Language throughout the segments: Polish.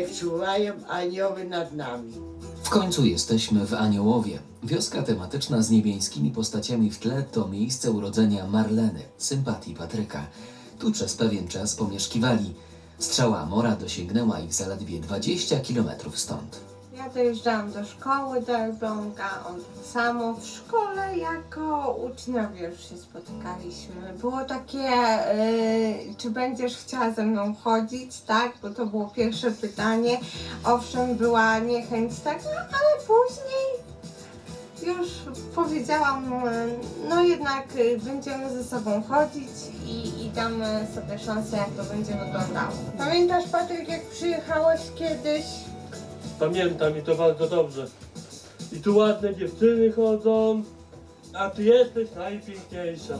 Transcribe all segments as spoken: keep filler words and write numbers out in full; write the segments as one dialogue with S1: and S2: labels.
S1: niech czuwają anioły nad nami.
S2: W końcu jesteśmy w Aniołowie. Wioska tematyczna z niebiańskimi postaciami w tle to miejsce urodzenia Marleny, sympatii Patryka. Tu przez pewien czas pomieszkiwali. Strzała Amora dosięgnęła ich zaledwie dwadzieścia kilometrów stąd.
S3: Ja dojeżdżałam do szkoły do Elbląga, on tak samo. W szkole jako uczniowie już się spotykaliśmy. Było takie, yy, czy będziesz chciała ze mną chodzić, tak? Bo to było pierwsze pytanie. Owszem, była niechęć, tak? No, ale później już powiedziałam, yy, no jednak yy, będziemy ze sobą chodzić i, i damy sobie szansę, jak to będzie wyglądało. Pamiętasz, Patryk, jak przyjechałeś kiedyś?
S4: Pamiętam i to bardzo dobrze. I tu ładne dziewczyny chodzą, a ty jesteś najpiękniejsza.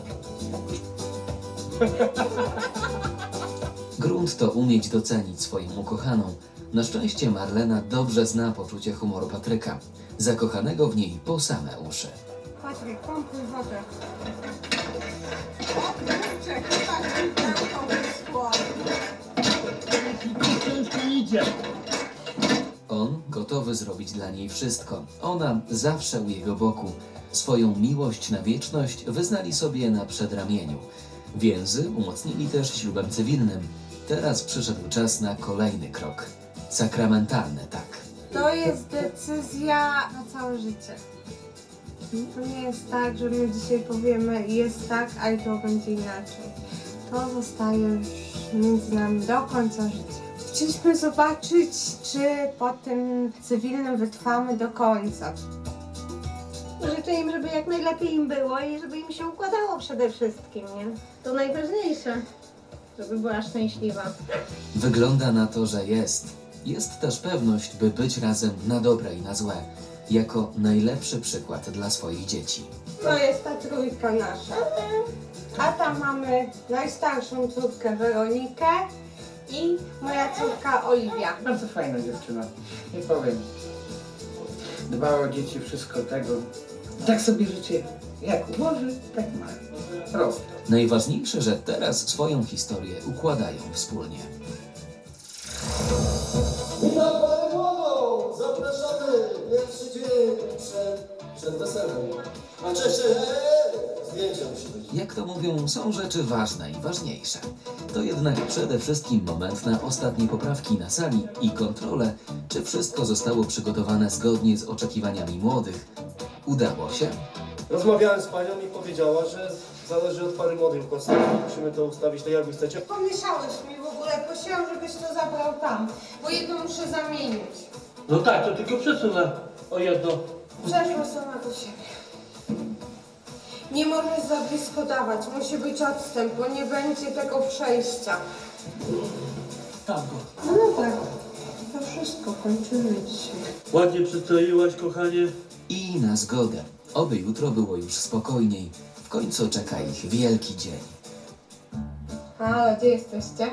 S2: Grunt to umieć docenić swoją ukochaną. Na szczęście Marlena dobrze zna poczucie humoru Patryka, zakochanego w niej po same uszy.
S3: Patryk, pompuj wodę. O kurczę, Patryk, tam wyschło.
S4: Ciężko idzie.
S2: On gotowy zrobić dla niej wszystko. Ona zawsze u jego boku. Swoją miłość na wieczność wyznali sobie na przedramieniu. Więzy umocnili też ślubem cywilnym. Teraz przyszedł czas na kolejny krok. Sakramentalny, tak.
S3: To jest decyzja na całe życie. To nie jest tak, że my dzisiaj powiemy jest tak, a jutro będzie inaczej. To zostaje już między nami do końca życia. Chcieliśmy zobaczyć, czy po tym cywilnym wytrwamy do końca.
S5: Życzę im, żeby jak najlepiej im było i żeby im się układało przede wszystkim, nie? To najważniejsze, żeby była szczęśliwa.
S2: Wygląda na to, że jest. Jest też pewność, by być razem na dobre i na złe. Jako najlepszy przykład dla swoich dzieci.
S3: To jest ta trójka nasza. A tam mamy najstarszą córkę Weronikę i moja córka Oliwia.
S6: Bardzo fajna dziewczyna, nie powiem. Dba o dzieci, wszystko tego. Tak sobie życie jak ułoży, tak ma. Prosto.
S2: Najważniejsze, że teraz swoją historię układają wspólnie.
S7: Witam Panią Młodą! Zapraszamy! Pierwszy dzień przed, przed weselem. A cześć, hej! Zdjęcia musi być.
S2: Jak to mówią, są rzeczy ważne i ważniejsze. To jednak przede wszystkim moment na ostatnie poprawki na sali i kontrolę, czy wszystko zostało przygotowane zgodnie z oczekiwaniami młodych. Udało się?
S7: Rozmawiałem z Panią i powiedziała, że zależy od pary młodych kostów. Musimy to ustawić tak, jak Wy chcecie.
S3: Pomieszałeś mi w ogóle, prosiłam, żebyś to zabrał tam, bo jedno muszę zamienić.
S4: No tak, to tylko przesunę o jedno.
S3: Przeszła sama do siebie. Nie możesz za blisko dawać, musi być odstęp, bo nie będzie tego przejścia.
S4: Tam go.
S3: No dobra, to wszystko, kończymy dzisiaj.
S4: Ładnie przystroiłaś, kochanie.
S2: I na zgodę. Oby jutro było już spokojniej. W końcu czeka ich wielki dzień.
S3: Halo, gdzie jesteście?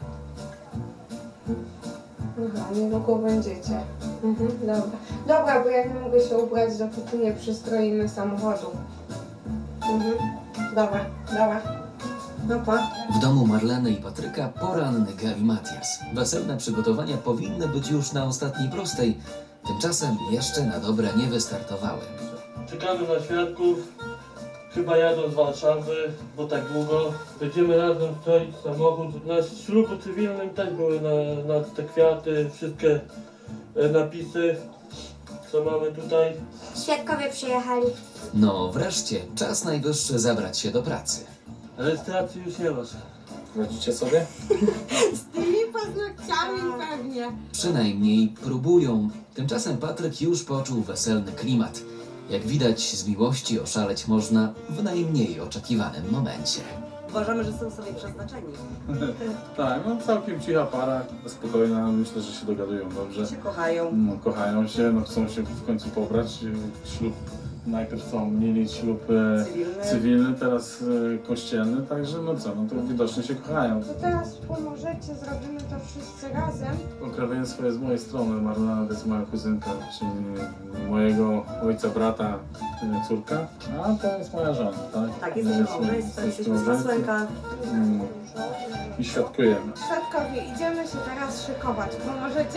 S3: Aha, niedługo będziecie. Mhm, dobra. Dobra, bo ja nie mogę się ubrać, dopóki nie przystroimy samochodu. Mhm, dobra, dobra. No pa.
S2: W domu Marleny i Patryka poranny galimatias. Weselne przygotowania powinny być już na ostatniej prostej. Tymczasem jeszcze na dobre nie wystartowały.
S4: Czekamy na świadków. Chyba jadą z Warszawy, bo tak długo. Będziemy razem stroić samochód. Na ślubu cywilnym też były na, na te kwiaty, wszystkie e, napisy, co mamy tutaj.
S5: Świadkowie przyjechali.
S2: No wreszcie, czas najwyższy zabrać się do pracy.
S4: Rejestracji już nie masz.
S6: Radzicie sobie?
S3: Z tymi paznokciami pewnie.
S2: Przynajmniej próbują. Tymczasem Patryk już poczuł weselny klimat. Jak widać, z miłości oszaleć można w najmniej oczekiwanym momencie.
S8: Uważamy, że są sobie przeznaczeni.
S9: Tak, no całkiem cicha para, spokojna, myślę, że się dogadują dobrze.
S8: Się kochają.
S9: No, kochają się, no chcą się w końcu pobrać. Ślub, najpierw chcą mieli ślub e,
S8: Cywilny.
S9: cywilny, teraz e, kościelny, także no co, no to widocznie się kochają.
S3: To teraz pomożecie, zrobimy to wszyscy razem.
S9: Pokrewieństwo jest z mojej strony, Marlena to jest moja kuzynka, czyli mojego ojca, brata, e, córka, a to jest moja żona, tak?
S8: Tak, jesteśmy małżeństwem, jesteśmy z Masłęka.
S9: Mm, i świadkujemy.
S3: Świadkowie, idziemy się teraz szykować. Pomożecie?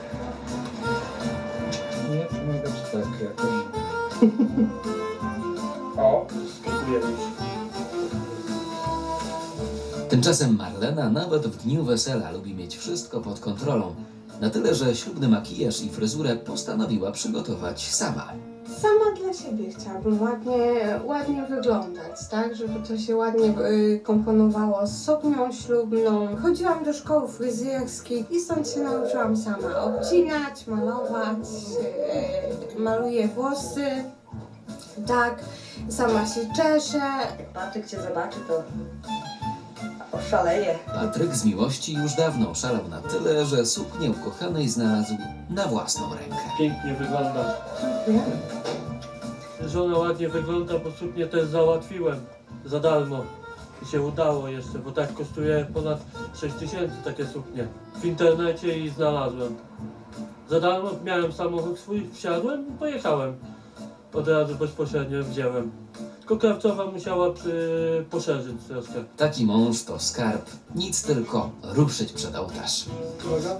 S6: Nie pomagać tak jakoś.
S4: O, dziękuję już.
S2: Tymczasem Marlena nawet w dniu wesela lubi mieć wszystko pod kontrolą. Na tyle, że ślubny makijaż i fryzurę postanowiła przygotować sama.
S3: Sama dla siebie chciałabym ładnie, ładnie wyglądać, tak? Żeby to się ładnie y, komponowało z suknią ślubną. Chodziłam do szkoły fryzjerskiej i stąd się nauczyłam sama obcinać, malować, y, maluję włosy, tak? Sama się czeszę.
S8: Jak Patryk cię zobaczy, to oszaleje.
S2: Patryk z miłości już dawno szalał na tyle, że suknię ukochanej znalazł na własną rękę.
S4: Pięknie wygląda. Żona ładnie wygląda, bo suknię też załatwiłem za darmo. I się udało jeszcze, bo tak kosztuje ponad sześć tysięcy takie suknie. W internecie i znalazłem. Za darmo miałem samochód swój, wsiadłem i pojechałem. Od razu bezpośrednio wziąłem. Tylko krawcowa musiała przy... poszerzyć troszkę.
S2: Taki mąż to skarb, nic tylko ruszyć przed ołtarz.
S7: Uwaga.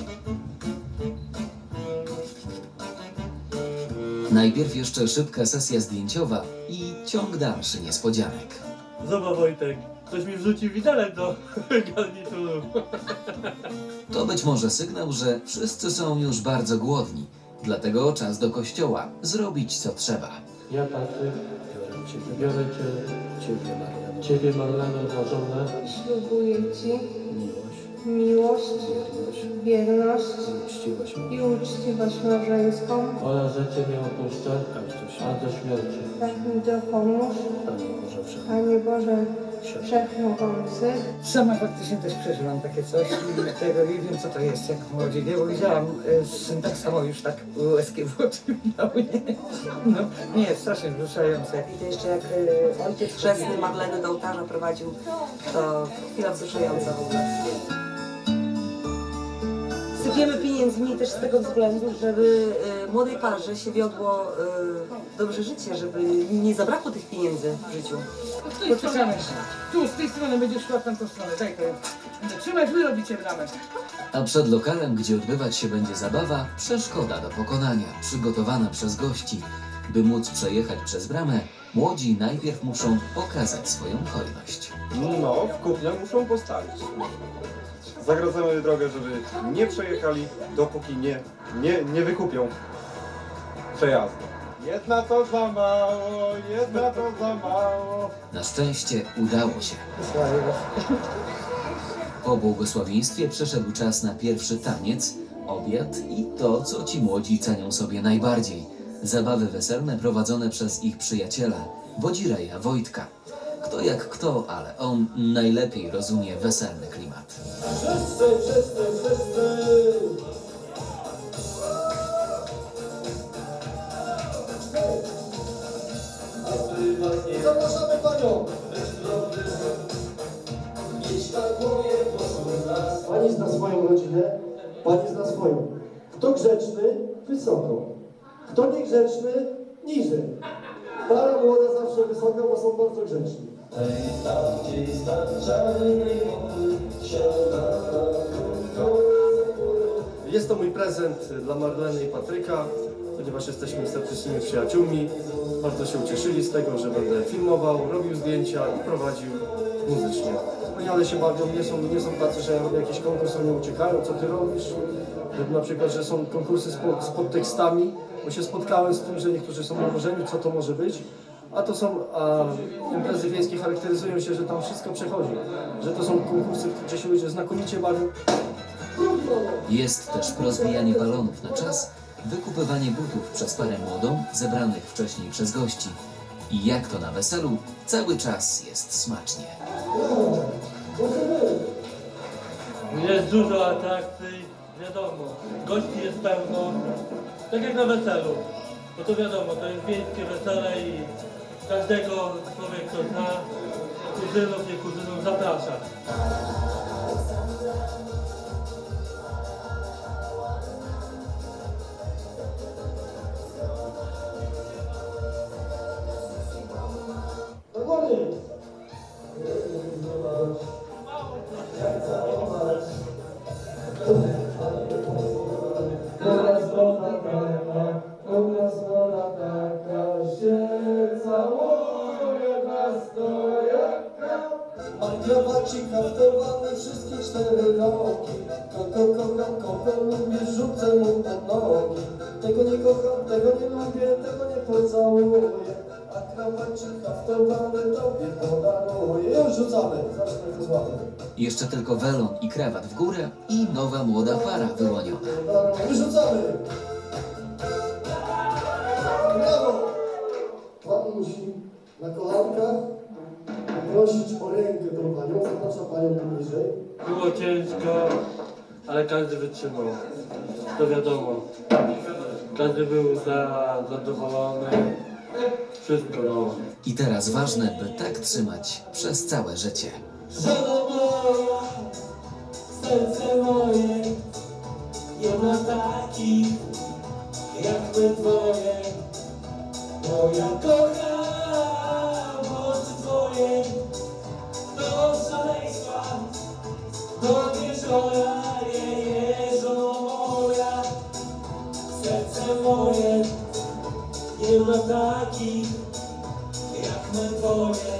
S2: Najpierw jeszcze szybka sesja zdjęciowa i ciąg dalszy niespodzianek.
S4: Zobacz Wojtek, ktoś mi wrzucił widelec do garnituru.
S2: To być może sygnał, że wszyscy są już bardzo głodni. Dlatego czas do kościoła, zrobić co trzeba.
S4: Ja Patryk, biorę Cię, Ciebie Marleno, Ciebie Marleno za żonę.
S3: Ślubuję Ci
S7: Miłość,
S3: miłość,
S7: wierność
S3: wierność
S7: i uczciwość
S3: i uczciwość małżeńską.
S4: Oraz, że Cię nie opuszczę, aż do śmierci.
S3: Tak mi dopomóż,
S7: Panie Boże Wszechmogący.
S3: Panie Boże Wszechmogący.
S6: Sama faktycznie też przeżyłam takie coś i tego i wiem co to jest, jak młodzi, nie? Bo widziałam, y, syn tak samo już tak łezkie w oczy miał, nie? No, nie, strasznie wzruszające.
S8: I to jeszcze jak y, ojciec chrzestny Marlenę do ołtarza prowadził, to chwila wzruszająca w ogóle. Sypiemy pieniędzmi też z tego względu, żeby y, młodej parze się wiodło y, dobrze życie, żeby nie zabrakło tych pieniędzy w życiu.
S6: Poczekamy. Tu, z tej strony będziesz szła w tamtą stronę, daj to. Będę trzymać, wy robicie bramę.
S2: A przed lokalem, gdzie odbywać się będzie zabawa, przeszkoda do pokonania, przygotowana przez gości. By móc przejechać przez bramę, młodzi najpierw muszą okazać swoją hojność.
S10: No, w kuple muszą postawić. Zagradzamy drogę, żeby nie przejechali, dopóki nie, nie, nie wykupią przejazdu. Jedna to za mało, jedna to za mało.
S2: Na szczęście udało się.
S6: Wysłaję was.
S2: Po błogosławieństwie przyszedł czas na pierwszy taniec, obiad i to, co ci młodzi cenią sobie najbardziej. Zabawy weselne prowadzone przez ich przyjaciela, Wodzireja Wojtka. Kto jak kto, ale on najlepiej rozumie weselny klimat.
S7: Wszyscy, wszyscy, wszyscy! Zapraszamy Panią! Pani zna swoją rodzinę, Pani zna swoją. Kto grzeczny, wysoko. Kto niegrzeczny, niżej. Para młoda zawsze wysoka, bo są bardzo grzeczni. Jest to mój prezent dla Marleny i Patryka, ponieważ jesteśmy statycznymi przyjaciółmi. Bardzo się ucieszyli z tego, że będę filmował, robił zdjęcia i prowadził muzycznie. Wspaniale się bawią, nie są, nie są tacy, że ja robię jakiś konkurs, oni uciekają, co ty robisz? Że na przykład, że są konkursy z, pod, z podtekstami, bo się spotkałem z tym, że niektórzy są nałożeni, co to może być. A to są a, imprezy wiejskie, charakteryzują się, że tam wszystko przechodzi. Że to są konkursy, gdzie się ludzie znakomicie bawią.
S2: Jest też rozbijanie balonów na czas, wykupywanie butów przez parę młodą, zebranych wcześniej przez gości. I jak to na weselu, cały czas jest smacznie.
S4: Jest dużo atrakcji, wiadomo, gości jest pełno, tak jak na weselu. Bo to wiadomo, to jest wiejskie wesele i każdego człowiek, kto zna, kuzynów, nie kuzynów, zaprasza.
S7: Dokładnie.
S11: wyroki. Kogo kocham, kogo lubię, rzucę mu te nogi. Tego nie kocham, tego nie lubię, tego nie pocałuję. A krawacik haftowany tobie podaruję. Już rzucamy, zaraz to złapę.
S2: Jeszcze tylko welon i krawat w górę i nowa młoda para wyłoniona.
S11: Wyrzucamy! Brawo! Pan musi na kołankach prosić o rękę tą panią, zapraszam panią tu bliżej.
S4: Było ciężko, ale każdy wytrzymał. To wiadomo. Każdy był za, zadowolony. Wszystko było.
S2: I teraz ważne, by tak trzymać przez całe życie.
S11: Żona moja, serce moje, nie ma takich jak my dwoje. Bo ja kocham oczy twoje, do szaleństwa, do wieczora, je, je, żono moja. Serce moje, nie ma takich jak my dwoje.